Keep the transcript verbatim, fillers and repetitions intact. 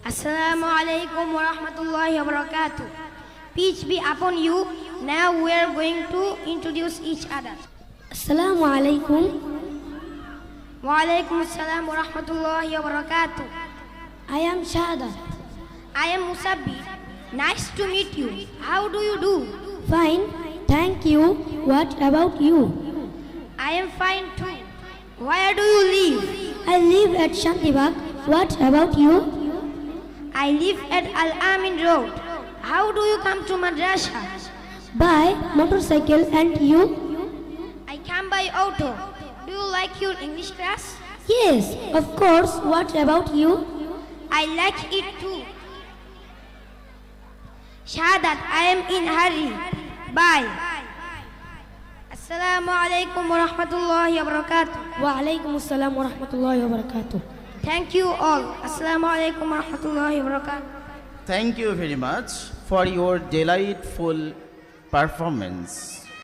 Assalamu alaikum wa rahmatullahi wa barakatuh. Peace be upon you. Now we are going to introduce each other. Assalamu alaikum. Wa alaikum assalam wa rahmatullahi wa barakatuh. I am Shahadat. I am Musabbi. Nice to meet you. How do you do? Fine, thank you. What about you? I am fine too. Where do you live? I live at Shantibag. What about you? I live at Al-Amin Road. How do you come to madrasa? By motorcycle. And you? I come by auto. Do you like your English class? Yes, of course. What about you? I like it too. Shahadat, I am in hurry. Bye. Assalamu alaikum wa rahmatullahi wa barakatuh. Wa alaikum assalam wa rahmatullahi wa barakatuh. Thank you all. Assalamu alaikum wa rahmatullahi wa barakatuh. Thank you very much for your delightful performance.